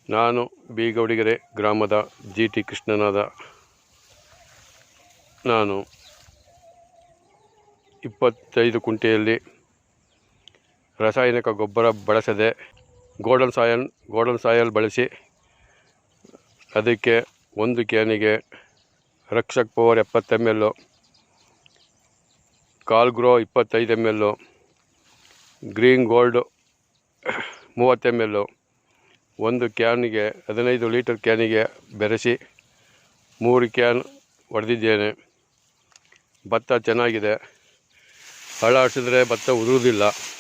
ನಾನು ಬೀಗೌಡಿಗೆರೆ ಗ್ರಾಮದ GT ಕೃಷ್ಣನಾದ. ನಾನು 25 ಕುಂಟೆಯಲ್ಲಿ ರಾಸಾಯನಿಕ ಗೊಬ್ಬರ ಬಳಸದೆ ಗೋಲ್ಡನ್ ಸಾಯಲ್ ಬಳಸಿ ಅದಕ್ಕೆ ಒಂದು ಕ್ಯಾನಿಗೆ Rakshak power 70 ml, Calgro 25 ml, green gold 30 ml ಒಂದು ಕ್ಯಾನಿಗೆ 15 ಲೀಟರ್ ಕ್ಯಾನಿಗೆ ಬೆರೆಸಿ 3 ಕ್ಯಾನ್ ಹೊಡೆದಿದ್ದೇನೆ. ಭತ್ತ ಚೆನ್ನಾಗಿದೆ. ಹಳ ಆಡಿಸಿದ್ರೆ ಭತ್ತ ಉದುರುವುದಿಲ್ಲ.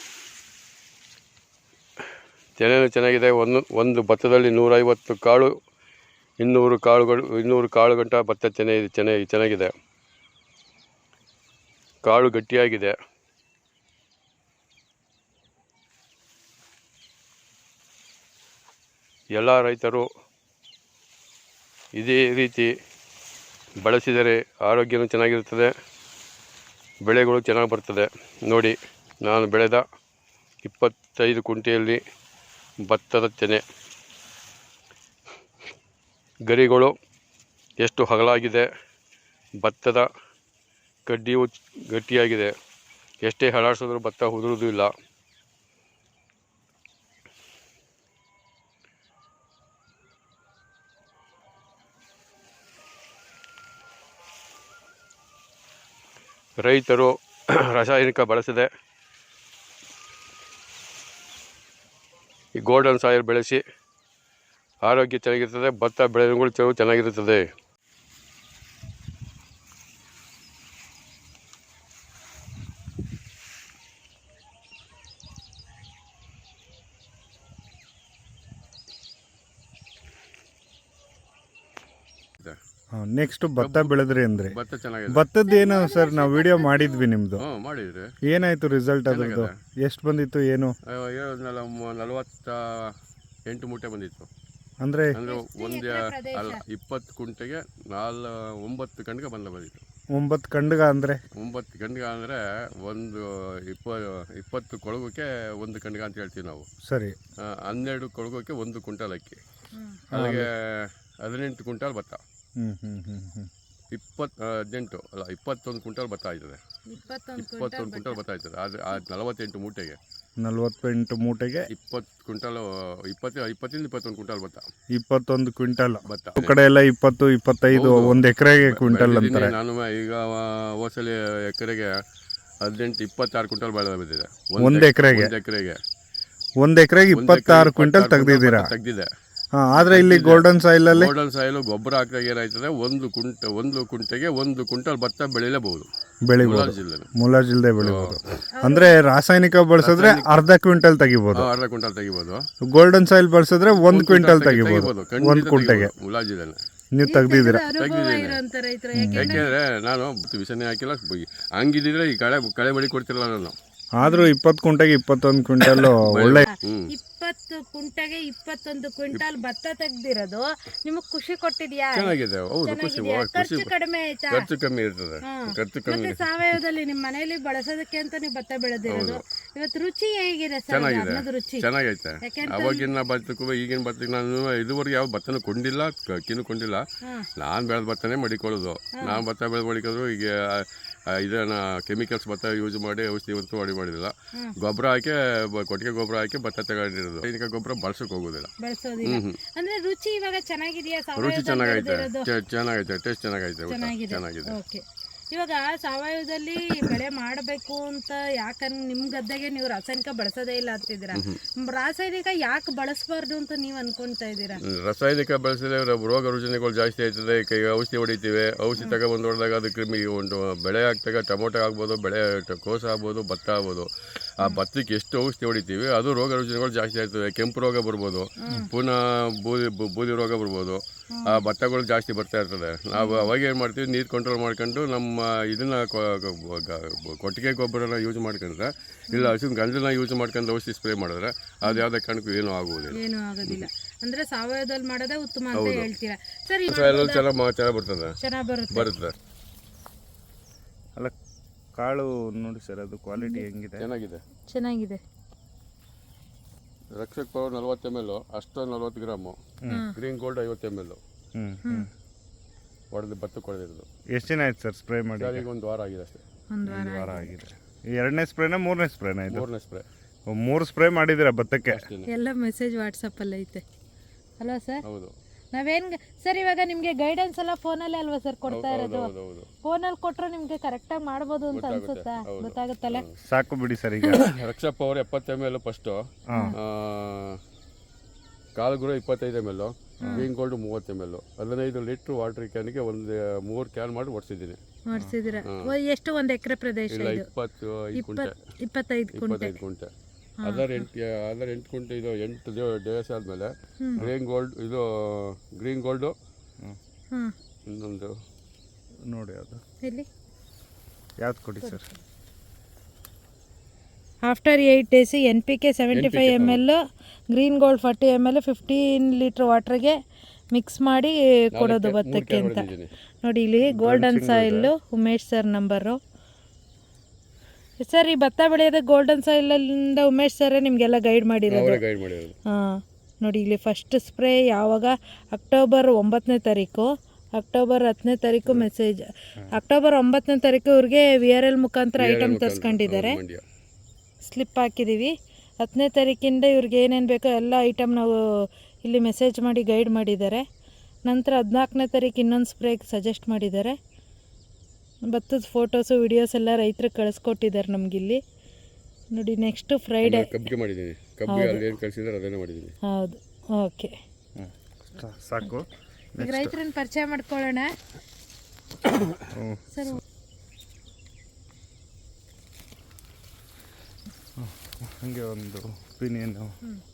ತೆನೆನೂ ಚೆನ್ನಾಗಿದೆ. ಒಂದು ಭತ್ತದಲ್ಲಿ 150 ಕಾಳು 200 ಕಾಳು ಗಂಟ ಭತ್ತ ಚೆನ್ನಾಗಿದೆ. ಕಾಳು ಗಟ್ಟಿಯಾಗಿದೆ. ಎಲ್ಲ ರೈತರು ಇದೇ ರೀತಿ ಬಳಸಿದರೆ ಆರೋಗ್ಯನೂ ಚೆನ್ನಾಗಿರುತ್ತದೆ, ಬೆಳೆಗಳು ಚೆನ್ನಾಗಿ ಬರ್ತದೆ. ನೋಡಿ, ನಾನು ಬೆಳೆದ 25 ಕುಂಟೆಯಲ್ಲಿ ಭತ್ತದ ತೆನೆ ಗರಿಗಳು ಎಷ್ಟು ಅಗಲಾಗಿದೆ. ಭತ್ತದ ಕಡ್ಡಿಯು ಗಟ್ಟಿಯಾಗಿದೆ. ಎಷ್ಟೇ ಹಳಾಡಿಸಿದ್ರೂ ಭತ್ತ ಉದುರುವುದೂ ಇಲ್ಲ. ರೈತರು ರಾಸಾಯನಿಕ ಬಳಸದೆ ಈ ಗೋಲ್ಡನ್ ಸಾಯಿಲ್ ಬೆಳೆಸಿ ಆರೋಗ್ಯ ಚೆನ್ನಾಗಿರ್ತದೆ. ಭತ್ತ ಬೆಳೆಗಳು ಚೆನ್ನಾಗಿರುತ್ತದೆ. ನೆಕ್ಸ್ಟ್ ಭತ್ತ ಬೆಳೆದ್ರಿ ಅಂದ್ರೆ ಭತ್ತ ಚೆನ್ನಾಗಿದೆ. ಭತ್ತದ್ದೇನು ಸರ್, ನಾವು ವಿಡಿಯೋ ಮಾಡಿದ್ವಿ ನಿಮ್ದು. ಮಾಡಿದ್ರಿ. ಏನಾಯ್ತು ರಿಸಲ್ಟ್ ಅದ್ರದ್ದು? ಎಷ್ಟು ಬಂದಿತ್ತು? ಏನು 48 ಮೂಟೆ ಬಂದಿತ್ತು. ಅಂದ್ರೆ ಒಂದು 20 ಕುಂಟೆಗೆ 9 ಗಂಟೆಗೆ ಬಂದಿತ್ತು. 9 ಕಂಡ್ಗ ಅಂದ್ರೆ 9 ಗಂಟೆಗೆ ಅಂದರೆ ಒಂದು 20 ಕೊಳಗಕ್ಕೆ 1 ಗಂಟೆಗೆ ಅಂತ ಹೇಳ್ತೀವಿ ನಾವು. ಸರಿ. 12 ಕೊಳಗಕ್ಕೆ 1 ಕ್ವಿಂಟಲ್ ಅಕ್ಕಿ, ಅಲ್ಲಿಗೆ 18 ಕ್ವಿಂಟಲ್ ಭತ್ತ. 21 ಕ್ವಿಂಟಲ್ ಭತ್ತ ಆಯ್ತದೆ. 21 ಕ್ವಿಂಟಲ್ ಭತ್ತ ಆಯ್ತದೆ. ಆದರೆ 48 ಮೂಟೆಗೆ 20 ಕ್ವಿಂಟಲ್ 20ರಿಂದ 21 ಕ್ವಿಂಟಲ್ ಭತ್ತ. 21 ಕ್ವಿಂಟಲ್ ಭತ್ತ. ಕಡೆ ಎಲ್ಲ 20, 25 ಒಂದು ಎಕರೆಗೆ ಕ್ವಿಂಟಲ್ ಅಂತಾರೆ. ನಾನು ಈಗ ಹೋಸಲಿ ಎಕರೆಗೆ 18, 26 ಕ್ವಿಂಟಲ್ ಬೆಳೆ ಬಂದಿದೆ. ಒಂದು ಎಕರೆಗೆ 26 ಕ್ವಿಂಟಲ್ ತೆಗ್ದಿದೆ. ಆದ್ರೆ ಇಲ್ಲಿ ಗೋಲ್ಡನ್ ಸಾಯಿಲ್ ಗೊಬ್ಬರ ಹಾಕಿದಾಗ ಏನಾಯ್ತದೆ, ಒಂದು ಕುಂಟೆಗೆ 1 ಕ್ವಿಂಟಲ್ ಭತ್ತ ಬೆಳಿಬಹುದು. ಮುಲಾಜಿಲ್ದೆ ಬೆಳಿಬಹುದು. ಅಂದ್ರೆ ರಾಸಾಯನಿಕ ಬಳಸಿದ್ರೆ ಅರ್ಧ ಕ್ವಿಂಟಲ್ ತೆಗಿಬಹುದು. ಗೋಲ್ಡನ್ ಸಾಯಿಲ್ ಬಳಸಿದ್ರೆ 1 ಕ್ವಿಂಟಲ್ ತೆಗಿಬಹುದು. 1 ಕುಂಟೆಗೆ ಮುಲಾಜಿಲ್ದೆ ನೀವು ತೆಗ್ದಿದ್ದೀರಾ? ಯಾಕೆಂದ್ರೆ ನಾನು ವಿಷನೇ ಹಾಕಿಲ್ಲ. ಹಂಗಿದ್ರೆ ಈ ಕಳೆ ಬಳಿ ಕೊಡ್ತಿರಲ್ಲ ನಾನು. ಆದ್ರೂ 20 ಕುಂಟೆಗೆ 21 ಕ್ವಿಂಟಲ್ ಒಳ್ಳೆ. 20 ಕುಂಟೆಗೆ 21 ಕ್ವಿಂಟಲ್ ಭತ್ತ ತೆಗ್ದಿರೋದು ನಿಮಗೆ ಖುಷಿ ಕೊಟ್ಟಿದ್ಯಾ? ಚೆನ್ನಾಗಿದೆ. ಹೌದು, ಖುಷಿ. ಖರ್ಚು ಕಡಿಮೆ ಆಯ್ತಾ? ಖರ್ಚು ಕಮ್ಮಿ ಇರ್ತದೆ. ಮತ್ತೆ ಸಾವಯವದಲ್ಲಿ ನಿಮ್ಮ ಮನೆಯಲ್ಲಿ ಬಳಸೋದಕ್ಕೆ ಅಂತ ನೀವು ಭತ್ತ ಬೆಳೆದಿರೋದು. ಇವತ್ತು ರುಚಿ ಹೇಗಿದೆ ಸರ್? ರುಚಿ ಚೆನ್ನಾಗೈತೆ. ಅವಾಗಿನ ಭತ್ತಕ್ಕೂ ಈಗಿನ ಭತ್ತಕ್ಕೆ ನಾನು ಇದುವರೆಗೆ ಯಾವ ಭತ್ತನೂ ಕೊಂಡಿಲ್ಲ, ಅಕ್ಕಿನೂ ಕೊಂಡಿಲ್ಲ. ನಾನು ಬೆಳೆದ ಭತ್ತನೇ ಮಡಿಕೊಳ್ಳೋದು. ನಾನು ಭತ್ತ ಬೆಳೆದು ಮಡಿಕೋದು. ಈಗ ಇದನ್ನ ಕೆಮಿಕಲ್ಸ್ ಭತ್ತ ಯೂಸ್ ಮಾಡಿ ಔಷಧಿ ಮಾಡಿದಿಲ್ಲ. ಗೊಬ್ಬರ ಹಾಕಿ, ಕೊಟ್ಟಿಗೆ ಗೊಬ್ಬರ ಹಾಕಿ ಭತ್ತ ತಗೊಂಡಿರೋದು. ಸೈನಿಕ ಗೊಬ್ಬರ ಬಳಸಕ್ ಹೋಗೋದಿಲ್ಲ. ಅಂದ್ರೆ ರುಚಿ ಇವಾಗ ಚೆನ್ನಾಗಿದೆಯಾ? ರುಚಿ ಚೆನ್ನಾಗೈತೆ. ಟೇಸ್ಟ್ ಚೆನ್ನಾಗಿದೆ. ಇವಾಗ ಸಾವಯವದಲ್ಲಿ ಬೆಳೆ ಮಾಡಬೇಕು ಅಂತ ಯಾಕಂದ್ರೆ ನಿಮ್ ಗದ್ದೆಗೆ ನೀವು ರಾಸಾಯನಿಕ ಬಳಸೋದೇ ಇಲ್ಲ ಅಂತಿದ್ದೀರಾ. ರಾಸಾಯನಿಕ ಯಾಕೆ ಬಳಸಬಾರ್ದು ಅಂತ ನೀವು ಅನ್ಕೊಂತಾ ಇದ್ದೀರಾ? ರಾಸಾಯನಿಕ ಬಳಸಿದ್ರೆ ರೋಗ ರುಜಿನಗಳು ಜಾಸ್ತಿ ಆಯ್ತದೆ. ಈಗ ಔಷಧಿ ಹೊಡಿತೀವಿ. ಔಷಧಿ ತಗೊಬಂದು ಹೊಡೆದಾಗ ಅದು ಕ್ರಿಮಿ ಒಂದು ಬೆಳೆ ಆಗ್ತಾಗ ಟೊಮೊಟೊ ಆಗ್ಬೋದು, ಬೆಳೆ ಕೋಸ ಆಗ್ಬೋದು, ಭತ್ತ ಆಗ್ಬೋದು. ಆ ಭತ್ತಕ್ಕೆ ಎಷ್ಟು ಔಷಧಿ ಹೊಡಿತೀವಿ ಅದು ರೋಗ ರುಜಿನಗಳು ಜಾಸ್ತಿ ಆಗ್ತದೆ. ಕೆಂಪು ರೋಗ ಬರ್ಬೋದು, ಪುನಃ ಬೂದಿ ರೋಗ ಬರ್ಬೋದು. ಆ ಭತ್ತಗಳು ಜಾಸ್ತಿ ಬರ್ತಾ ಇರ್ತದೆ. ನಾವು ಅವಾಗ ಏನು ಮಾಡ್ತೀವಿ, ನೀರು ಕಂಟ್ರೋಲ್ ಮಾಡ್ಕೊಂಡು ನಮ್ಮ ಇದನ್ನ ಕೊಟ್ಟಿಗೆ ಗೊಬ್ಬರನ ಯೂಸ್ ಮಾಡ್ಕೊಂಡ್ರೆ, ಇಲ್ಲ ಹಸಿನ ಗಂಜಲನ್ನ ಯೂಸ್ ಮಾಡ್ಕೊಂಡು ಔಷಧಿ ಸ್ಪ್ರೇ ಮಾಡಿದ್ರೆ ಅದು ಯಾವುದೇ ಕಾರಣಕ್ಕೂ ಏನೂ ಆಗೋದಿಲ್ಲ. ಅಂದ್ರೆ ಸಾವಯವದಲ್ಲಿ ಮಾಡೋದೇ ಉತ್ತಮ ಅಂತ ಹೇಳ್ತೀರಾ ಸರ್? ಚೆನ್ನಾಗಿ ಬರುತ್ತೆ. ಅಲ್ಲ, ಕಾಳು ನೋಡಿ ಸರ್, ಅದು ಕ್ವಾಲಿಟಿ ಹೆಂಗಿದೆ? ಚೆನ್ನಾಗಿದೆ. ರಕ್ಷಕ್ ಪವರ್ 40 ml, ಅಷ್ಟು 40 ಗ್ರಾಮು, ಗ್ರೀನ್ ಗೋಲ್ಡ್ 50 ml ಹೊಡೆದು ಭತ್ತಕ್ಕೆ ಹೊಡೆದಿರೋದು. ಎಷ್ಟು ದಿನ ಆಯ್ತು ಸರ್ ಸ್ಪ್ರೇ ಮಾಡಿ? ಈಗ ಒಂದು ವಾರ ಆಗಿದೆ ಅಷ್ಟೇ. ಒಂದು ವಾರ ಆಗಿದೆ. ಎರಡನೇ ಸ್ಪ್ರೇನಾ ಮೂರನೇ ಸ್ಪ್ರೇನಾ ಇದು? ಮೂರನೇ ಸ್ಪ್ರೇ. 3 ಸ್ಪ್ರೇ ಮಾಡಿದ್ದೀರಾ ಭತ್ತಕ್ಕೆ? ಎಲ್ಲ ಮೆಸೇಜ್ ವಾಟ್ಸಪ್ಪಲ್ಲಿ ಐತೆ ಅಲ್ವಾ ಸರ್? ಹೌದು. ನಾವೇನು ಸರ್ ಇವಾಗ ನಿಮಗೆ ಗೈಡೆನ್ಸ್ ಎಲ್ಲ ಫೋನಲ್ಲೇ ಅಲ್ವಾ ಸರ್ ಕೊಡ್ತಾ ಇರೋದು? ಹೌದು. ಫೋನಲ್ಲಿ ಕೊಟ್ಟರೆ ನಿಮಗೆ ಕರೆಕ್ಟಾಗಿ ಮಾಡ್ಬೋದು ಅಂತ ಅನ್ಸುತ್ತಾ? ಗೊತ್ತಾಗುತ್ತಲ್ಲ. ಸಾಕು ಬಿಡಿ ಸರ್. ಈಗ ರಕ್ಷಕ್ ಪವರ್ 70 ml ಫಸ್ಟು, ಕಾಲ್ಗುರು 25 ml, green gold 30 ml, 15 litre water ಕ್ಯಾನ್ಗೆ ಒಂದು 3 ಕ್ಯಾನ್ ಮಾಡಿ ಓಡಿಸಿದ್ದೀನಿ. ಮಾಡಿಸಿದ್ದೀರಾ? ಎಷ್ಟು ಒಂದು ಎಕರೆ ಪ್ರದೇಶ ಇಲ್ಲ, ಇದು? 25 ಕುಂಟೆ. 25 ಕುಂಟೆ. ಅದರ 8 ಕುಂಟೆ. ಇದು 8 ದಿವಸ ಆದಮೇಲೆ ಗ್ರೀನ್ ಗೋಲ್ಡು ಇನ್ನೊಂದು ನೋಡಿ ಅದು ಎಲ್ಲಿ ಯಾವ್ದು ಕೊಡಿ sir? After 8 days NPK 75 ml, green gold 40 ml, 15 litre ವಾಟ್ರಿಗೆ ಮಿಕ್ಸ್ ಮಾಡಿ ಕೊಡೋದು ಭತ್ತಕ್ಕೆ ಅಂತ. ನೋಡಿ ಇಲ್ಲಿ golden soil Umesh sir number. Sir ಈ ಭತ್ತ ಬೆಳೆಯೋದು ಗೋಲ್ಡನ್ ಸಾಯಿಲಿಂದ ಉಮೇಶ್ ಸರ್ ನಿಮಗೆಲ್ಲ ಗೈಡ್ ಮಾಡಿರೋದು. ಹಾಂ ನೋಡಿ ಇಲ್ಲಿ ಫಸ್ಟ್ ಸ್ಪ್ರೇ ಯಾವಾಗ? ಅಕ್ಟೋಬರ್ 9ನೇ ತಾರೀಕು, ಅಕ್ಟೋಬರ್ 10ನೇ ತಾರೀಕು ಮೆಸೇಜ್. ಅಕ್ಟೋಬರ್ 9ನೇ ತಾರೀಕು ಇವ್ರಿಗೆ VRL ಮುಖಾಂತರ ಐಟಮ್ ತರಿಸ್ಕೊಂಡಿದ್ದಾರೆ, ಸ್ಲಿಪ್ ಹಾಕಿದ್ದೀವಿ. 10ನೇ ತಾರೀಕಿಂದ ಇವ್ರಿಗೆ ಏನೇನು ಬೇಕೋ ಎಲ್ಲ ಐಟಮ್ ನಾವು ಇಲ್ಲಿ ಮೆಸೇಜ್ ಮಾಡಿ ಗೈಡ್ ಮಾಡಿದ್ದಾರೆ. ನಂತರ 14ನೇ ತಾರೀಕು ಇನ್ನೊಂದು ಸ್ಪ್ರೇಗೆ ಸಜೆಸ್ಟ್ ಮಾಡಿದ್ದಾರೆ. ಭತ್ತದ ಫೋಟೋಸು ವಿಡಿಯೋಸ್ ಎಲ್ಲ ರೈತರಿಗೆ ಕಳಿಸ್ಕೊಟ್ಟಿದ್ದಾರೆ ನಮಗಿಲ್ಲಿ ನೋಡಿ. ನೆಕ್ಸ್ಟ್ ಫ್ರೈಡೇ ಕಬ್ಬಿಗೆ ಮಾಡಿದ್ದೀನಿ. ಕಬ್ಬಿಗೆ ಅಲ್ಲಿ ಏನು ಕಳಿಸಿದ್ದಾರೆ ಅದನ್ನೇ ಮಾಡಿದ್ದೀನಿ. ಹೌದು, ಓಕೆ ಸಾಕು. ಈಗ ರೈತರನ್ನ ಪರಿಚಯ ಮಾಡ್ಕೊಳ್ಳೋಣ ಸರ್. ಹಾಗೆ ಒಂದು ಒಪಿನಿಯನು.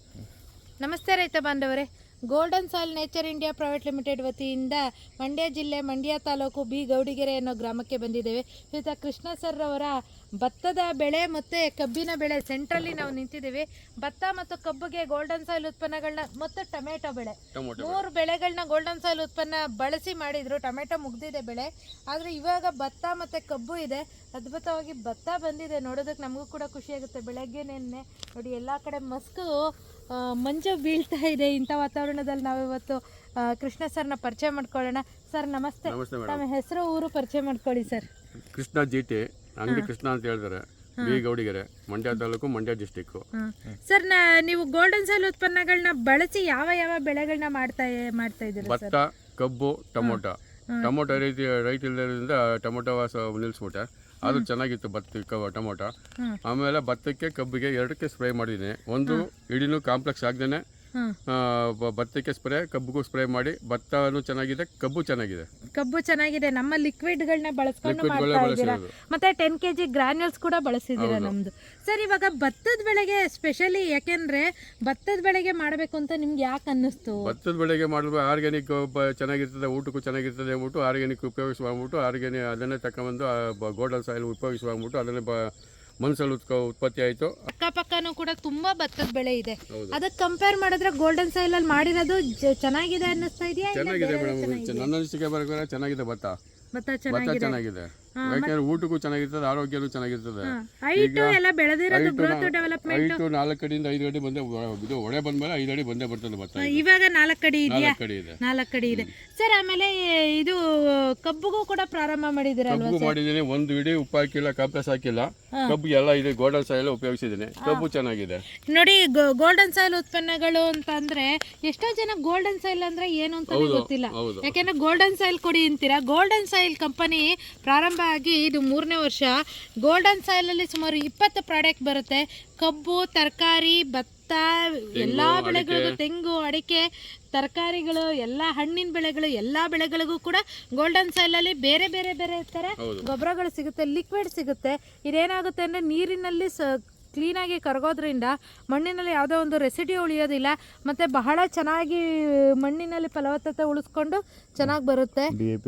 ನಮಸ್ತೆ ರೈತ ಬಾಂಧವರೇ, golden soil nature India private limited ವತಿಯಿಂದ ಮಂಡ್ಯ ಜಿಲ್ಲೆ ಮಂಡ್ಯ ತಾಲೂಕು ಬಿ ಗೌಡಿಗೆರೆ ಅನ್ನೋ ಗ್ರಾಮಕ್ಕೆ ಬಂದಿದ್ದೇವೆ. ಇವತ್ತು ಕೃಷ್ಣ ಸರ್ ಅವರ ಭತ್ತದ ಬೆಳೆ ಮತ್ತು ಕಬ್ಬಿನ ಬೆಳೆ ಸೆಂಟ್ರಲ್ಲಿ ನಾವು ನಿಂತಿದ್ದೀವಿ. ಭತ್ತ ಮತ್ತು ಕಬ್ಬಿಗೆ ಗೋಲ್ಡನ್ ಸಾಯಿಲ್ ಉತ್ಪನ್ನಗಳನ್ನ ಮತ್ತು ಟೊಮೆಟೊ ಬೆಳೆ 3 ಬೆಳೆಗಳನ್ನ ಗೋಲ್ಡನ್ ಸಾಯಿಲ್ ಉತ್ಪನ್ನ ಬಳಸಿ ಮಾಡಿದರು. ಟೊಮೆಟೊ ಮುಗ್ದಿದೆ ಬೆಳೆ, ಆದರೆ ಇವಾಗ ಭತ್ತ ಮತ್ತು ಕಬ್ಬು ಇದೆ. ಅದ್ಭುತವಾಗಿ ಭತ್ತ ಬಂದಿದೆ, ನೋಡೋದಕ್ಕೆ ನಮಗೂ ಕೂಡ ಖುಷಿಯಾಗುತ್ತೆ. ಬೆಳಗ್ಗೆನೇ ನೋಡಿ ಎಲ್ಲ ಕಡೆ ಮಸ್ಕು ಮಂಜು ಬೀಳ್ತಾ ಇದೆ. ಇಂಥ ವಾತಾವರಣದಲ್ಲಿ ನಾವಿವತ್ತು ಕೃಷ್ಣ ಸರ್ನ ಪರಿಚಯ ಮಾಡ್ಕೊಳ್ಳೋಣ. ಸರ್ ನಮಸ್ತೆ. ನಮ್ಮ ಹೆಸರು ಊರು ಪರಿಚಯ ಮಾಡ್ಕೊಳ್ಳಿ ಸರ್. ಕೃಷ್ಣ GT, ಅಂಗಡಿ ಕೃಷ್ಣ ಅಂತ ಹೇಳ್ತಾರೆ, B Gowdigere, Mandya taluk, Mandya district. Sir ನೀವು ಗೋಲ್ಡನ್ ಸಾಯಿಲ್ ಉತ್ಪನ್ನಗಳನ್ನ ಬಳಸಿ ಯಾವ ಯಾವ ಬೆಳೆಗಳನ್ನ ಮಾಡ್ತಾ ಇದ್ದೀರಾ? ಭತ್ತ, ಕಬ್ಬು, ಟೊಮೊಟೊ. ಟೊಮೊಟೊ ರೈತ ಇಲ್ಲದ್ರಿಂದ ಟೊಮೊಟೊ ನಿಲ್ಲಿಸ್ಬಿಟ್ಟೆ. ಅದು ಚೆನ್ನಾಗಿತ್ತು ಭತ್ತಕ್ಕೆ ಟೊಮೊಟೊ. ಆಮೇಲೆ ಭತ್ತಕ್ಕೆ ಕಬ್ಬಿಗೆ 2ಕ್ಕೆ ಸ್ಪ್ರೇ ಮಾಡಿದ್ದೀನಿ. ಒಂದು ಇಡಿನೂ ಕಾಂಪ್ಲೆಕ್ಸ್ ಆಗದೇನೆ ಭತ್ತಕ್ಕೆ ಸ್ಪ್ರೇ, ಕಬ್ಬಿಗೂ ಸ್ಪ್ರೇ ಮಾಡಿ ಭತ್ತನೂ ಚೆನ್ನಾಗಿದೆ, ಕಬ್ಬು ಚೆನ್ನಾಗಿದೆ. ಕಬ್ಬು ಚೆನ್ನಾಗಿದೆ. ನಮ್ಮ ಲಿಕ್ವಿಡ್ಗಳನ್ನ ಬಳಸ್ಕೊಂಡು ಮಾಡ್ತಾ ಇದ್ದೀರಾ, ಮತ್ತೆ 10 kg ಗ್ರಾನ್ಯೂಲ್ಸ್ ಕೂಡ ಬಳಸಿದ್ದೀರಾ ನಮ್ದು. ಸರ್ ಇವಾಗ ಭತ್ತದ ಬೆಳೆಗೆ ಸ್ಪೆಷಲಿ ಯಾಕೆಂದ್ರೆ ಭತ್ತದ ಬೆಳೆಗೆ ಮಾಡಬೇಕು ಅಂತ ನಿಮ್ಗೆ ಯಾಕೆ ಅನ್ನಿಸ್ತು? ಭತ್ತದ ಬೆಳೆಗೆ ಮಾಡಬೇಕು, ಆರ್ಗ್ಯಾನಿಕ್ ಚೆನ್ನಾಗಿರ್ತದೆ, ಊಟಕ್ಕೂ ಚೆನ್ನಾಗಿರ್ತದೆ ಅಂದ್ಬಿಟ್ಟು ಆರ್ಗ್ಯಾನಿಕ್ ಉಪಯೋಗಿಸ್ಬಿಟ್ಟು ಆರ್ಗ್ಯಾನಿಕ್ ಅದನ್ನೇ ತಗೊಂಡ್ಬಂದು ಗೋಲ್ಡನ್ ಸಾಯಿಲ್ ಉಪಯೋಗಿಸ್ಬಿಟ್ಟು ಅದನ್ನೇ ಮನ್ಸಲ್ಲಿ ಉತ್ಪತ್ತಿ ಆಯಿತು. ಅಕ್ಕಪಕ್ಕನೂ ಕೂಡ ತುಂಬಾ ಭತ್ತದ ಬೆಳೆ ಇದೆ. ಅದಕ್ಕೆ ಕಂಪೇರ್ ಮಾಡಿದ್ರೆ ಗೋಲ್ಡನ್ ಸಾಯಿಲ್ ಅಲ್ಲಿ ಮಾಡಿರೋದು ಚೆನ್ನಾಗಿದೆ ಅನ್ನಿಸ್ತಾ ಇದೆಯಾ? ಚೆನ್ನಾಗಿದೆ ಮೇಡಮ್, ನನ್ನ ಅನಿಸಿಕೆ ಬರಬೇಕಾದ್ರೆ ಚೆನ್ನಾಗಿದೆ ಭತ್ತ ಚೆನ್ನಾಗಿದೆ. ಯಾಕಂದ್ರೆ ಊಟಕ್ಕೂ ಚೆನ್ನಾಗಿರ್ತದೆ, ಆರೋಗ್ಯನೂ ಚೆನ್ನಾಗಿರ್ತದೆ. ಹೈಟು ಎಲ್ಲ ಬೆಳೆದಿರೋದು ಗ್ರೋತ್ ಡೆವಲಪ್ಮೆಂಟ್. ಹೈಟು 4 ಅಡಿಯಿಂದ 5 ಅಡಿ ಬಂದೆ, ಇದು ಒಡೆ ಬಂದ್ಮೇಲೆ 5 ಅಡಿ ಬಂದೇ ಬರ್ತದೆ ಭತ್ತ. ಇವಾಗ 4 ಅಡಿ ಇದೆಯಾ? 4 ಅಡಿ ಇದೆ. ಸರ್ ಆಮೇಲೆ ಇದು ಕಬ್ಬುಗೂ ಕೂಡ ಪ್ರಾರಂಭ ಮಾಡಿದಿರಲ್ವಾ? ಕಬ್ಬು ಮಾಡಿದ್ದೀನಿ, ಒಂದು ಇಡೀ ಉಪ್ಪು ಹಾಕಿಲ್ಲ, ಕಾಂಪ್ಲೆಕ್ಸ್ ಹಾಕಿಲ್ಲ. ಕಬ್ಬು ಎಲ್ಲ ಇದೆ, ಗೋಲ್ಡನ್ ಸಾಯಿಲ್ ಉಪಯೋಗಿಸಿದ್ದೀನಿ. ಕಬ್ಬು ಚೆನ್ನಾಗಿದೆ. ನೋಡಿ ಗೋಲ್ಡನ್ ಸಾಯಿಲ್ ಉತ್ಪನ್ನಗಳು ಅಂತ ಅಂದ್ರೆ ಎಷ್ಟೋ ಜನ ಗೋಲ್ಡನ್ ಸಾಯಿಲ್ ಅಂದ್ರೆ ಏನು ಅಂತ ಗೊತ್ತಿಲ್ಲ. ಯಾಕೆಂದ್ರೆ ಗೋಲ್ಡನ್ ಸಾಯಿಲ್ ಕೊಡಿ ಅಂತೀರಾ. ಗೋಲ್ಡನ್ ಸಾಯಿಲ್ ಕಂಪನಿ ಪ್ರಾರಂಭ ಆಗಿ ಇದು 3ನೇ ವರ್ಷ. ಗೋಲ್ಡನ್ ಸಾಯಿಲ್ ಅಲ್ಲಿ ಸುಮಾರು 20 ಪ್ರಾಡಕ್ಟ್ ಬರುತ್ತೆ. ಕಬ್ಬು, ತರಕಾರಿ, ಭತ್ತ, ಎಲ್ಲಾ ಬೆಳೆಗಳಿಗೂ, ತೆಂಗು, ಅಡಿಕೆ, ತರಕಾರಿಗಳು, ಎಲ್ಲ ಹಣ್ಣಿನ ಬೆಳೆಗಳು, ಎಲ್ಲ ಬೆಳೆಗಳಿಗೂ ಕೂಡ ಗೋಲ್ಡನ್ ಸಾಯಿಲ್ ಅಲ್ಲಿ ಬೇರೆ ಬೇರೆ ಬೇರೆ ತರ ಗೊಬ್ಬರಗಳು ಸಿಗುತ್ತೆ, ಲಿಕ್ವಿಡ್ ಸಿಗುತ್ತೆ. ಇದೇನಾಗುತ್ತೆ ಅಂದ್ರೆ ನೀರಿನಲ್ಲಿ ಕ್ಲೀನಾಗಿ ಕರಗೋದ್ರಿಂದ ಮಣ್ಣಿನಲ್ಲಿ ಯಾವುದೋ ಒಂದು ರೆಸಿಡಿ ಉಳಿಯೋದಿಲ್ಲ, ಮತ್ತು ಬಹಳ ಚೆನ್ನಾಗಿ ಮಣ್ಣಿನಲ್ಲಿ ಫಲವತ್ತತೆ ಉಳಿಸ್ಕೊಂಡು ಚೆನ್ನಾಗಿ ಬರುತ್ತೆ.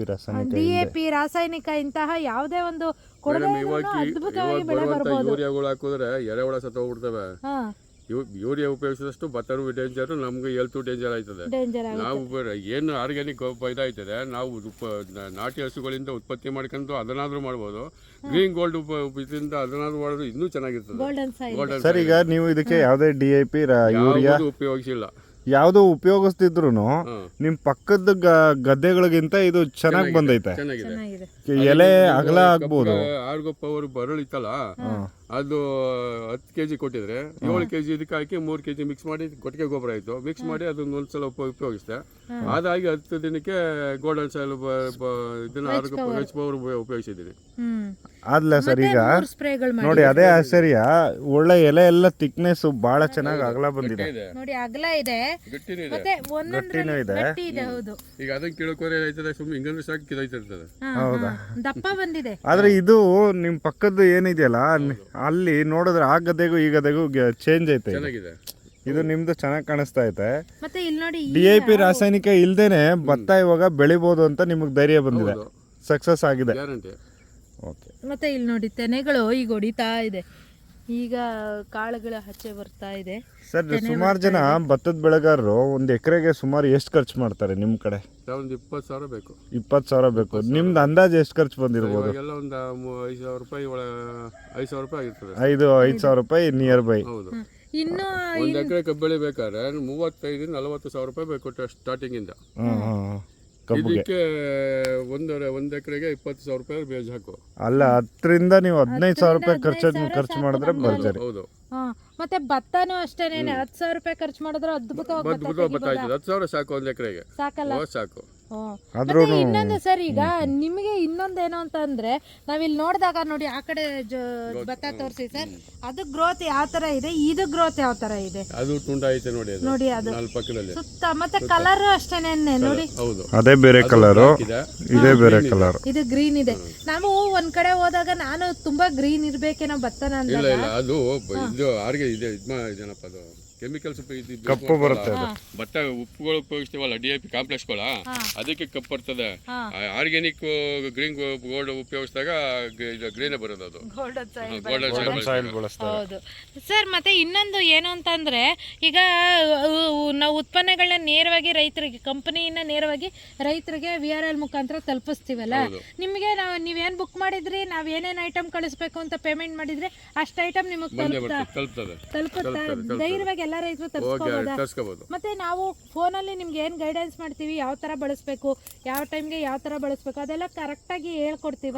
DAP ರಾಸಾಯನಿಕ ಇಂತಹ ಯಾವುದೇ ಒಂದು ಅದ್ಭುತವಾಗಿ ಬೆಳೆ ಬರ್ಬೋದು. ಯೂರಿಯಾಗಳು ಹಾಕಿದ್ರೆ ಎರೆಹುಳ ಸತ್ತೋಗ್ಬಿಡ್ತವೆ. ಯೂರಿಯಾ ಉಪಯೋಗಿಸಿದಷ್ಟು ಭತ್ತನೂ ಡೇಂಜರು, ನಮ್ಗೆ ಹೆಲ್ತು ಡೇಂಜರ್ ಆಯ್ತದೆ. ಡೇಂಜರ್ ನಾವು ಏನು ಆರ್ಗ್ಯಾನಿಕ್ ಇದಾಯ್ತದೆ, ನಾವು ನಾಟಿ ಹಸುಗಳಿಂದ ಉತ್ಪತ್ತಿ ಮಾಡ್ಕೊಂಡು ಅದನ್ನಾದ್ರೂ ಮಾಡ್ಬೋದು. ಗ್ರೀನ್ ಗೋಲ್ಡ್ ಇದರಿಂದ ಅದನ್ನಾದ್ರೂ ಮಾಡಿದ್ರೆ ಇನ್ನೂ ಚೆನ್ನಾಗಿರ್ತದೆ. ಗೋಲ್ಡನ್ ಸಾಯಿಲ್ ಗೋಲ್ಡನ್ ಸರ್ ಈಗ ನೀವು ಇದಕ್ಕೆ ಯಾವುದೇ DAP ಯೂರಿಯಾ ಉಪಯೋಗಿಸಿಲ್ಲ, ಯಾವುದು ಉಪಯೋಗಿಸ್ತಿದ್ರು ನಿಮ್ ಪಕ್ಕದ ಗದ್ದೆಗಳಿಗಿಂತ ಇದು ಚೆನ್ನಾಗಿ ಬಂದೈತೆ. ಚೆನ್ನಾಗಿದೆ. ಚೆನ್ನಾಗಿದೆ. ಎಲೆ ಅಗಲ ಆಗ್ಬೋದು. ಆರ್ಗೋ ಪವರ್ ಬರಳಿತ್ತಲ್ಲ, ಅದು 10 kg ಕೊಟ್ಟಿದ್ರೆ 7 kg ಇದಕ್ಕೆ ಹಾಕಿ 3 kg ಮಿಕ್ಸ್ ಮಾಡಿ ಕೊಟ್ಟಿಗೆ ಗೊಬ್ಬರ ಆಯ್ತು. ಮಿಕ್ಸ್ ಮಾಡಿ ಅದನ್ನ ಒಂದ್ಸಲ ಉಪಯೋಗಿಸಿದೆ. ಅದಾಗಿ 10 ದಿನಕ್ಕೆ ಗೋಲ್ಡನ್ ಸಾಯಿಲ್ ಇದನ್ನ ಆರ್ಗೋ ಪವರ್ ಉಪಯೋಗಿಸಿದ್ದೀನಿ. ಆದ್ಲ ಸರ್ ಈಗ ಸ್ಪ್ರೇಗಳು ನೋಡಿ ಅದೇ ಆಶ್ಚರ್ಯ, ಒಳ್ಳೆ ಎಲೆ ಎಲ್ಲ ಥಿಕ್ನೆಸ್ ಬಹಳ ಚೆನ್ನಾಗಿ ಅಗಲ ಬಂದಿದೆ. ನೋಡಿ ಅಗಲ ಇದೆ, ಗಟ್ಟಿನೂ ಇದೆ. ಮತ್ತೆ ಒಂದೊಂದ್ರಲ್ಲಿ ಇದೆ. ಗಟ್ಟಿ ಇದೆ. ಹೌದು, ಈಗ ಅದನ್ನ ಕಿಳಕೋರೆ ಆಯ್ತದೆ, ಸುಮ್ಮನೆ ಹಿಂಗಂದ್ರೆ ಸಾಕು ಕಿದಾಯ್ತಿರ್ತದೆ. ಹೌದಾ? ದಪ್ಪ ಬಂದಿದೆ. ಆದ್ರೆ ಇದು ನಿಮ್ ಪಕ್ಕದ್ದು ಏನಿದೆಯಲ್ಲ ಅಲ್ಲಿ ನೋಡಿದ್ರೆ ಆ ಗದ್ದೆಗೂ ಈ ಗದ್ದೆಗೂ ಚೇಂಜ್ ಐತೆ. ಚೆನ್ನಾಗಿದೆ. ಇದು ನಿಮ್ದು ಚೆನ್ನಾಗಿ ಕಾಣಿಸ್ತಾ ಐತೆ. ಮತ್ತೆ ಇಲ್ಲಿ ನೋಡಿ DAP ರಾಸಾಯನಿಕ ಇಲ್ದೇನೆ ಭತ್ತ ಇವಾಗ ಬೆಳಿಬೋದು ಅಂತ ನಿಮಗೆ ಧೈರ್ಯ ಬಂದಿದೆ, ಸಕ್ಸಸ್ ಆಗಿದೆ. ಗ್ಯಾರಂಟಿ. ಓಕೆ. ಮತ್ತೆ ಇಲ್ಲಿ ನೋಡಿ ತೆನೆಗಳು ಈಗ ಹೊಡಿತಾ ಇದೆ, ಈಗ ಕಾಳುಗಳ ಹಚ್ಚೆ ಬರ್ತಾ ಇದೆ. ಸರ್ ಸುಮಾರು ಜನ ಭತ್ತದ ಬೆಳೆಗಾರರು ಒಂದು ಎಕರೆಗೆ ಸುಮಾರು ಎಷ್ಟು ಖರ್ಚು ಮಾಡ್ತಾರೆ ನಿಮ್ಮ ಕಡೆ? ಒಂದು 20,000 ಬೇಕು. 20,000 ಬೇಕು. ನಿಮ್ದು ಅಂದಾಜು ಎಷ್ಟು ಖರ್ಚು ಬಂದಿರ್ಬೋದು? ಇವಾಗೆಲ್ಲ ಒಂದು 5,000 ರೂಪಾಯಿ 5,000 ರೂಪಾಯಿ ಆಗಿರ್ತದೆ. 5,000 ರೂಪಾಯಿ ನಿಯರ್ ಬೈ. ಹೌದು. ಇನ್ನು ಒಂದು ಎಕರೆ ಕಬ್ಬು ಬೆಳಿಬೇಕಾದ್ರೆ 35,000-40,000 ರೂಪಾಯಿ ಬೇಕು ಸ್ಟಾರ್ಟಿಂಗ್ ಇಂದ. ಕಬ್ಬುಗೆ ಇದಕ್ಕೆ ಒಂದು ಎಕರೆಗೆ 20,000 ರೂಪಾಯಿ ಬೇಜ್ ಹಾಕು. ಅಲ್ಲ 10ರಿಂದ ನೀವು 15,000 ರೂಪಾಯಿ ಖರ್ಚು ಮಾಡಿದ್ರೆ ಭರ್ಜರಿ. ಹೌದು. ಮತ್ತೆ ಭತ್ತನೂ ಅಷ್ಟೇನೆ 10,000 ರೂಪಾಯಿ ಖರ್ಚು ಮಾಡಿದ್ರೆ ಅದ್ಭುತವಾಗಿ ಭತ್ತ ಆಯ್ತದೆ. 10,000 ಸಾಕು ಒಂದು ಎಕರೆಗೆ. ಸಾಕಲ್ಲ? ಸಾಕು. ಮತ್ತೆ ಇನ್ನೊಂದು ಸರ್, ಈಗ ನಿಮಗೆ ಇನ್ನೊಂದೇನು ಅಂತ ಅಂದ್ರೆ ನಾವಿಲ್ಲಿ ನೋಡಿದಾಗ ನೋಡಿ ಆ ಕಡೆ ಭತ್ತ ತೋರಿಸಿ ಸರ್, ಅದು ಗ್ರೋತ್ ಯಾವ ತರ ಇದೆ, ಇದು ಗ್ರೋತ್ ಯಾವ ತರ ಇದೆ. ಅದು ತುಂಡ ಐತೆ ನೋಡಿ, ನೋಡಿ ಅದು 4 ಪಕ್ಕದಲ್ಲಿ ಸುತ್ತ. ಮತ್ತೆ ಕಲರ್ ಅಷ್ಟೇನೆ ನೋಡಿ. ಹೌದು. ಅದೇ ಬೇರೆ ಕಲರು, ಇದೇ ಬೇರೆ ಕಲರ್. ಇದು ಗ್ರೀನ್ ಇದೆ. ನಾವು ಒಂದ್ ಕಡೆ ಹೋದಾಗ ನಾನು ತುಂಬಾ ಗ್ರೀನ್ ಇರ್ಬೇಕೇನೋ ಭತ್ತನ ಇಲ್ಲ ಅಂದಾಗ ಇಲ್ಲ, ಅದು ಇದು ಆರ್ಗೆ ಇದೆ. ಇದೇನಪ್ಪ ಅದು ಕೆಮಿಕಲ್ಸ್ ಕಪ್ಪು ಬರುತ್ತೆ. ಭತ್ತ ಉಪ್ಪುಗಳು ಉಪಯೋಗಿಸ್ತೀವಲ್ಲ, DAP ಕಾಂಪ್ಲೆಕ್ಸ್ಗಳ, ಅದಕ್ಕೆ ಕಪ್ಪು ಬರ್ತದೆ. ಆರ್ಗ್ಯಾನಿಕ್ ಗ್ರೀನ್ ಗೋಲ್ಡ್ ಉಪಯೋಗಿಸಿದಾಗ ಗ್ರೀನೇ ಬರೋದು. ಅದು ಗೋಲ್ಡನ್ ಸಾಯಿಲ್ ಬಳಸ್ತಾರೆ. ಹೌದು ಸರ್. ಮತ್ತೆ ಇನ್ನೊಂದು ಏನು ಅಂತಂದ್ರೆ, ಈಗ ನಾವು ಉತ್ಪನ್ನಗಳನ್ನ ನೇರವಾಗಿ ರೈತರಿಗೆ, ಕಂಪನಿಯಿಂದ ನೇರವಾಗಿ ರೈತರಿಗೆ VRL ಮುಖಾಂತರ ತಲುಪಿಸ್ತೀವಲ್ಲ, ನಿಮಗೆ ನೀವೇನ್ ಬುಕ್ ಮಾಡಿದ್ರಿ, ನಾವ್ ಏನೇನ್ ಐಟಮ್ ಕಳಿಸ್ಬೇಕು ಅಂತ ಪೇಮೆಂಟ್ ಮಾಡಿದ್ರೆ ಅಷ್ಟು ಐಟಮ್ ನಿಮಗೆ ತಲುಪುತ್ತಾ ಧೈರ್ಯವಾಗಿ ಎಲ್ಲ ರೈತರು ತರಿಸ್ಕೋಬಹುದು. ಮತ್ತೆ ನಾವು ಫೋನಲ್ಲಿ ನಿಮ್ಗೆ ಏನ್ ಗೈಡೆನ್ಸ್ ಮಾಡ್ತೀವಿ, ಯಾವ ತರ ಬಳಸ್ಬೇಕು, ಯಾವ ಟೈಮ್ಗೆ ಯಾವ ತರ ಬಳಸ್ಬೇಕು, ಅದೆಲ್ಲ ಕರೆಕ್ಟ್ ಆಗಿ ಹೇಳ್ಕೊಡ್ತೀವಿ.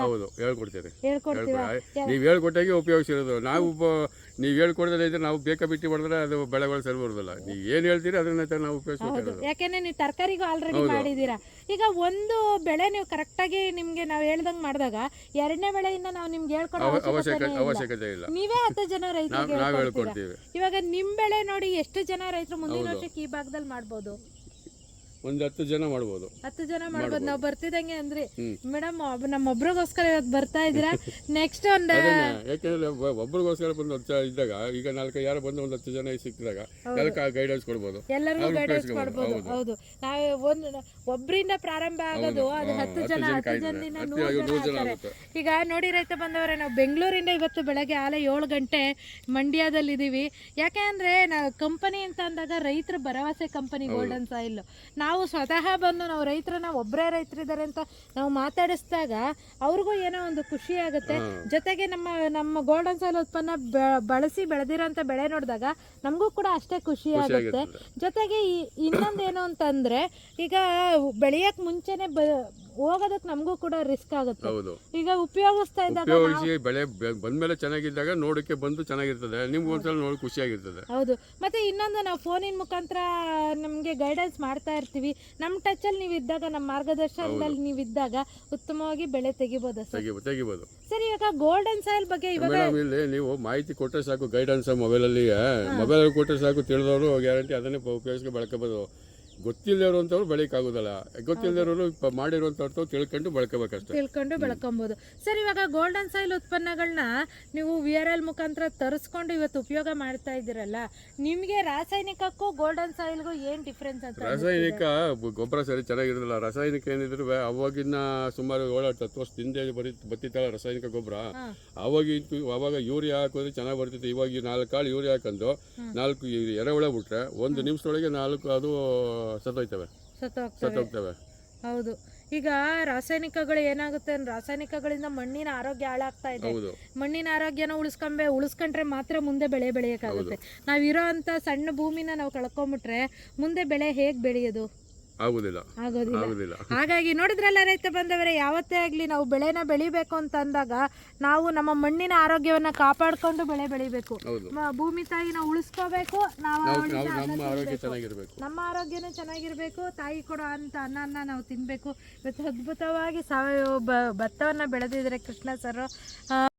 ನೀವು ಹೇಳ್ಕೊಟ್ಟಾಗೆ ಉಪಯೋಗಿಸಿರೋದು. ನಾವು ನೀವು ಹೇಳ್ಕೊಡ್ದಲ್ಲ ಇದ್ರೆ ನಾವು ಬೇಕಾ ಬಿಟ್ಟು ಮಾಡಿದ್ರೆ ಅದು ಬೆಳೆಗಳು ಸರಿ ಬರೋದಿಲ್ಲ. ನೀವು ಏನ್ ಹೇಳ್ತೀರಿ ಅದನ್ನ ನಾವು ಉಪಯೋಗಿಸ್ಬೇಕು. ಯಾಕೆಂದ್ರೆ ನೀವು ತರಕಾರಿಗೂ ಆಲ್ರೆಡಿ ಮಾಡಿದೀರಾ. ಈಗ ಒಂದು ಬೆಳೆ ನೀವು ಕರೆಕ್ಟ್ ಆಗಿ ನಿಮ್ಗೆ ನಾವು ಹೇಳ್ದಂಗ್ ಮಾಡಿದಾಗ 2ನೇ ಬೆಳೆಯಿಂದ ನಾವು ನಿಮ್ಗೆ ಹೇಳ್ಕೊಡೋ ಅವಶ್ಯಕತೆ ಇಲ್ಲ. ನೀವೇ 10 ಜನ ರೈತರಿಗೆ ಹೇಳ್ಕೊಡ್ತೀವಿ. ಇವಾಗ ನಿಮ್ ಬೆಳೆ ನೋಡಿ ಎಷ್ಟು ಜನ ರೈತರು ಮುಂದಿನ ವರ್ಷಕ್ಕೆ ಈ ಭಾಗದಲ್ಲಿ ಮಾಡ್ಬೋದು? ಒಂದು 10 ಜನ ಮಾಡ್ಬೋದು. 10 ಜನ ಮಾಡ್ಬೋದು. ನಾವು ಬರ್ತಿದಂಗೆ ಅಂದ್ರೆ ಮೇಡಮ್ ನಮ್ಮೊಬ್ರಿಗೋಸ್ಕರ ಇವತ್ತು ಬರ್ತಾ ಇದ್ದೀರಾ, ನೆಕ್ಸ್ಟ್ ಒಂದು ಯಾಕೆಂದ್ರೆ ಒಬ್ರಿಗೋಸ್ಕರ ಬಂದು ಇದ್ದಾಗ ಈಗ 4 ಯಾರು ಬಂದು ಒಂದು 10 ಜನ ಸಿಕ್ಕಿದಾಗ ಎಲ್ಲಕ್ಕೆ ಗೈಡೆನ್ಸ್ ಕೊಡ್ಬೋದು, ಎಲ್ಲರಿಗೂ ಗೈಡೆನ್ಸ್ ಕೊಡ್ಬೋದು. ಹೌದು, ನಾವು ಒಬ್ಬರಿಂದ ಪ್ರಾರಂಭ ಆಗೋದು, ಅದು 10 ಜನದಿಂದ 100 ಜನ ಆಗ್ತಾರೆ. ಈಗ ನೋಡಿ ರೈತ ಬಂದವರೇ, ನಾವು ಬೆಂಗಳೂರಿಂದ ಇವತ್ತು ಬೆಳಗ್ಗೆ 7 ಗಂಟೆ ಮಂಡ್ಯದಲ್ಲಿದ್ದೀವಿ. ಯಾಕೆ ಅಂದ್ರೆ ನಾವು ಕಂಪನಿ ಅಂತ ಅಂದಾಗ ರೈತರ ಭರವಸೆ ಕಂಪನಿ ಗೋಲ್ಡನ್ ಸಾಯಿಲ್. ನಾವು ಸ್ವತಃ ಬಂದು ನಾವು ರೈತರನ್ನ, ಒಬ್ಬರೇ ರೈತರಿದ್ದಾರೆ ಅಂತ ನಾವು ಮಾತಾಡಿಸಿದಾಗ ಅವ್ರಿಗೂ ಏನೋ ಒಂದು ಖುಷಿ ಆಗುತ್ತೆ. ಜೊತೆಗೆ ನಮ್ಮ ಗೋಲ್ಡನ್ ಸಾಯಿಲ್ ಉತ್ಪನ್ನ ಬಳಸಿ ಬೆಳೆದಿರೋಂಥ ಬೆಳೆ ನೋಡಿದಾಗ ನಮಗೂ ಕೂಡ ಅಷ್ಟೇ ಖುಷಿ ಆಗುತ್ತೆ. ಜೊತೆಗೆ ಇನ್ನೊಂದೇನು ಅಂತಂದ್ರೆ, ಈಗ ಬೆಳೆಯಕ್ ಮುಂಚೆನೆ ಹೋಗೋದಕ್ಕೆ ನಮಗೂ ಕೂಡ ರಿಸ್ಕ್ ಆಗುತ್ತೆ. ಈಗ ಉಪಯೋಗಿಸ್ತಾ ಇದ್ದಾಗ ಬೆಳೆ ಬಂದ್ಮೇಲೆ ಚೆನ್ನಾಗಿದ್ದಾಗ ನೋಡಕ್ಕೆ ಬಂದು ಚೆನ್ನಾಗಿರ್ತದೆ, ನಿಮ್ಗೆ ಒಂದ್ಸಲ ನೋಡಿ ಖುಷಿಯಾಗಿರ್ತದೆ. ಹೌದು. ಮತ್ತೆ ಇನ್ನೊಂದು, ನಾವು ಫೋನಿನ ಮುಖಾಂತರ ನಮಗೆ ಗೈಡೆನ್ಸ್ ಮಾಡ್ತಾ ಇರ್ತೀವಿ. ನಮ್ಮ ಟಚಲ್ಲಿ ನೀವು ಇದ್ದಾಗ, ನಮ್ಮ ಮಾರ್ಗದರ್ಶನದಲ್ಲಿ ನೀವು ಇದ್ದಾಗ ಉತ್ತಮವಾಗಿ ಬೆಳೆ ತೆಗಿಬೋದು. ಸರಿ, ಇವಾಗ ಗೋಲ್ಡನ್ ಸಾಯಿಲ್ ಬಗ್ಗೆ ಇವಾಗ ಇಲ್ಲಿ ನೀವು ಮಾಹಿತಿ ಕೊಟ್ಟರೆ ಸಾಕು, ಗೈಡೆನ್ಸ್ ಮೊಬೈಲಲ್ಲಿ ಕೊಟ್ಟರೆ ಸಾಕು, ತಿಳಿದವರು ಗ್ಯಾರಂಟಿ ಅದನ್ನೇ ಉಪಯೋಗಿಸ್ಕೊಂಡು ಬೆಳ್ಕೋಬೋದು. ಗೊತ್ತಿಲ್ಲದವ್ರು ಅಂತವ್ರು ಬೆಳೆಯೋಕ್ಕಾಗೋದಲ್ಲ. ಗೊತ್ತಿಲ್ಲದವರು ಮಾಡಿರುವಂಥವ್ರು ತಿಳ್ಕೊಂಡು ಬೆಳ್ಕೋಬೇಕಷ್ಟೇ. ತಿಳ್ಕೊಂಡು ಬೆಳ್ಕೊಬೋದು. ಸರ್, ಇವಾಗ ಗೋಲ್ಡನ್ ಸಾಯಿಲ್ ಉತ್ಪನ್ನಗಳನ್ನ ನೀವು VRL ಮುಖಾಂತರ ತರಿಸ್ಕೊಂಡು ಇವತ್ತು ಉಪಯೋಗ ಮಾಡ್ತಾ ಇದ್ದೀರಲ್ಲ, ನಿಮಗೆ ರಾಸಾಯನಿಕಕ್ಕೂ ಗೋಲ್ಡನ್ ಸಾಯಿಲ್ಗೂ ಏನು ಡಿಫ್ರೆನ್ಸ್ ಅಂತ? ರಾಸಾಯನಿಕ ಗೊಬ್ಬರ ಸರಿ ಚೆನ್ನಾಗಿರೋದಿಲ್ಲ. ರಾಸಾಯನಿಕ ಏನಿದ್ರು ಅವಾಗಿನ ಸುಮಾರು 7-10 ವರ್ಷದ ಹಿಂದೆ ಬತ್ತಿತ್ತಲ್ಲ ರಾಸಾಯನಿಕ ಗೊಬ್ಬರ. ಅವಾಗ ಯೂರಿಯಾ ಹಾಕಿದ್ರೆ ಚೆನ್ನಾಗಿ ಬರ್ತಿತ್ತು. ಇವಾಗ 4 ಕಾಳು ಯೂರಿಯಾ ಹಾಕೊಂಡು 4 ಎರೆಹುಳ ಬಿಟ್ರೆ 1 ನಿಮಿಷದೊಳಗೆ 4 ಅದು ಸತ್ತೋಗ್ತವೆ. ಹೌದು. ಈಗ ರಾಸಾಯನಿಕಗಳು ಏನಾಗುತ್ತೆ ಅಂದ್ರೆ ರಾಸಾಯನಿಕಗಳಿಂದ ಮಣ್ಣಿನ ಆರೋಗ್ಯ ಹಾಳಾಗ್ತಾ ಇದೆ. ಮಣ್ಣಿನ ಆರೋಗ್ಯನ ಉಳಿಸ್ಕೊಂಡ್ರೆ ಮಾತ್ರ ಮುಂದೆ ಬೆಳೆ ಬೆಳೆಯೋಕ್ಕಾಗುತ್ತೆ. ನಾವಿರೋ ಅಂತ ಸಣ್ಣ ಭೂಮಿನ ನಾವು ಕಳ್ಕೊಂಬಿಟ್ರೆ ಮುಂದೆ ಬೆಳೆ ಹೇಗೆ ಬೆಳೆಯೋದು? ಆಗೋದಿಲ್ಲ. ಹಾಗಾಗಿ ನೋಡಿದ್ರಲ್ಲ ರೈತ ಬಾಂಧವರೇ, ಯಾವತ್ತೇ ಆಗಲಿ ನಾವು ಬೆಳೆನ ಬೆಳಿಬೇಕು ಅಂತ ಅಂದಾಗ ನಾವು ನಮ್ಮ ಮಣ್ಣಿನ ಆರೋಗ್ಯವನ್ನ ಕಾಪಾಡ್ಕೊಂಡು ಬೆಳೆ ಬೆಳಿಬೇಕು. ಭೂಮಿ ತಾಯಿನ ಉಳಿಸ್ಕೋಬೇಕು, ನಮ್ಮ ಆರೋಗ್ಯನೂ ಚೆನ್ನಾಗಿರ್ಬೇಕು, ತಾಯಿ ಕೊಡೋ ಅಂತ ಅನ್ನನ ನಾವು ತಿನ್ಬೇಕು. ಇವತ್ತು ಅದ್ಭುತವಾಗಿ ಸಾವಯವ ಭತ್ತವನ್ನ ಬೆಳೆದಿದ್ರೆ ಕೃಷ್ಣ ಸರ್.